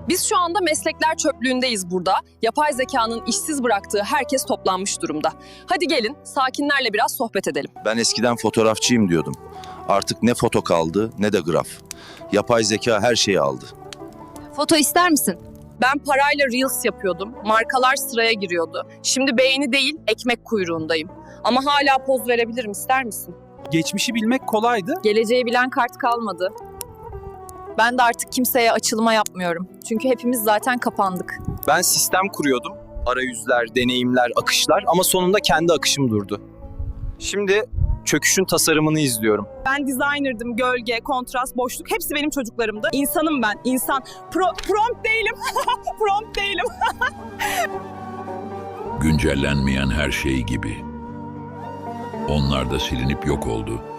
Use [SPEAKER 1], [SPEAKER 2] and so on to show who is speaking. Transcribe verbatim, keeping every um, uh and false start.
[SPEAKER 1] Biz şu anda meslekler çöplüğündeyiz burada. Yapay zekanın işsiz bıraktığı herkes toplanmış durumda. Hadi gelin sakinlerle biraz sohbet edelim.
[SPEAKER 2] Ben eskiden fotoğrafçıyım diyordum. Artık ne foto kaldı ne de graf. Yapay zeka her şeyi aldı.
[SPEAKER 3] Foto ister misin?
[SPEAKER 1] Ben parayla Reels yapıyordum. Markalar sıraya giriyordu. Şimdi beğeni değil, ekmek kuyruğundayım. Ama hala poz verebilirim, ister misin?
[SPEAKER 4] Geçmişi bilmek kolaydı.
[SPEAKER 1] Geleceği bilen kart kalmadı. Ben de artık kimseye açılıma yapmıyorum. Çünkü hepimiz zaten kapandık.
[SPEAKER 4] Ben sistem kuruyordum. Arayüzler, deneyimler, akışlar ama sonunda kendi akışım durdu. Şimdi çöküşün tasarımını izliyorum.
[SPEAKER 5] Ben designer'dım, gölge, kontrast, boşluk hepsi benim çocuklarımdı. İnsanım ben, insan. Pro, prompt değilim, prompt değilim.
[SPEAKER 6] Güncellenmeyen her şey gibi. Onlar da silinip yok oldu.